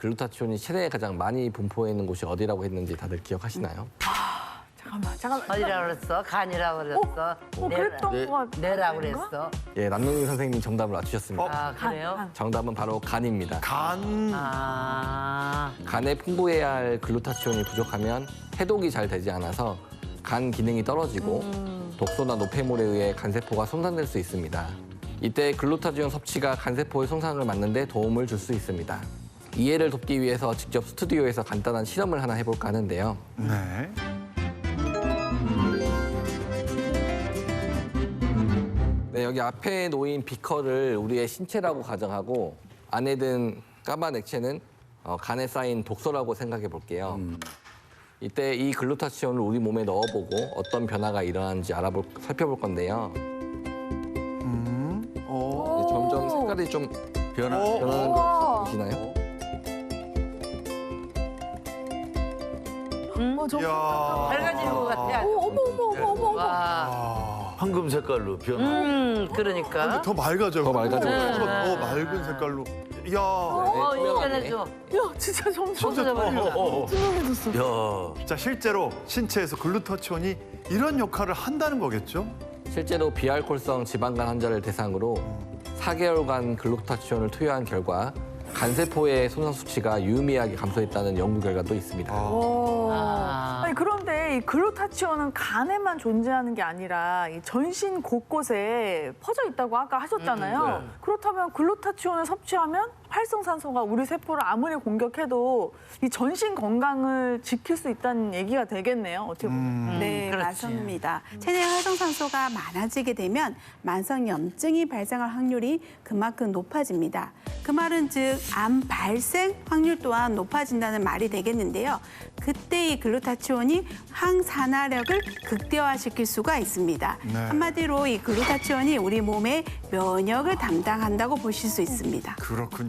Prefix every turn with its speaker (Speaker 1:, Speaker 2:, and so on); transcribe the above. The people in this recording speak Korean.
Speaker 1: 글루타치온이 체내에 가장 많이 분포해 있는 곳이 어디라고 했는지 다들 기억하시나요?
Speaker 2: 잠깐만.
Speaker 3: 어디라고 그랬어? 간이라고 그랬어?
Speaker 2: 그랬던 거 같아.
Speaker 3: 뇌라고 그랬어?
Speaker 1: 예, 남동민 선생님이 정답을 맞추셨습니다.
Speaker 3: 아, 그래요?
Speaker 1: 정답은 바로 간입니다.
Speaker 4: 간.
Speaker 3: 아,
Speaker 1: 간에 풍부해야 할 글루타치온이 부족하면 해독이 잘 되지 않아서 간 기능이 떨어지고 독소나 노폐물에 의해 간세포가 손상될 수 있습니다. 이때 글루타치온 섭취가 간세포의 손상을 막는 데 도움을 줄 수 있습니다. 이해를 돕기 위해서 직접 스튜디오에서 간단한 실험을 하나 해볼까 하는데요.
Speaker 4: 네.
Speaker 1: 네, 여기 앞에 놓인 비커를 우리의 신체라고 가정하고 안에 든 까만 액체는 간에 쌓인 독소라고 생각해 볼게요. 이때 이 글루타치온을 우리 몸에 넣어보고 어떤 변화가 일어나는지 살펴볼 건데요. 이제 점점 색깔이 좀 변하는 거 보시나요?
Speaker 4: 이야.
Speaker 3: 밝아지는 것 같아.
Speaker 2: 어머.
Speaker 3: 와,
Speaker 5: 황금 색깔로 변화.
Speaker 3: 그러니까.
Speaker 4: 더 맑아져요.
Speaker 1: 더 맑아져요.
Speaker 4: 더 맑은 색깔로. 이야.
Speaker 3: 인터넷 줘.
Speaker 2: 야, 진짜 점점
Speaker 4: 진짜
Speaker 2: 투명해졌어.
Speaker 5: 야,
Speaker 4: 자, 실제로 신체에서 글루타치온이 이런 역할을 한다는 거겠죠?
Speaker 1: 실제로 비알코올성 지방간 환자를 대상으로 4개월간 글루타치온을 투여한 결과 간세포의 손상 수치가 유의미하게 감소했다는 연구 결과도 있습니다.
Speaker 2: 아니, 그런데 이 글루타치온은 간에만 존재하는 게 아니라 이 전신 곳곳에 퍼져 있다고 아까 하셨잖아요. 그렇다면 글루타치온을 섭취하면 활성산소가 우리 세포를 아무리 공격해도 이 전신 건강을 지킬 수 있다는 얘기가 되겠네요. 어떻게 보면.
Speaker 6: 네,
Speaker 3: 그렇지.
Speaker 6: 맞습니다. 체내 활성산소가 많아지게 되면 만성염증이 발생할 확률이 그만큼 높아집니다. 그 말은 즉 암 발생 확률 또한 높아진다는 말이 되겠는데요. 그때 이 글루타치온이 항산화력을 극대화시킬 수가 있습니다.
Speaker 4: 네.
Speaker 6: 한마디로 이 글루타치온이 우리 몸의 면역을 담당한다고 보실 수 있습니다.
Speaker 4: 그렇군요.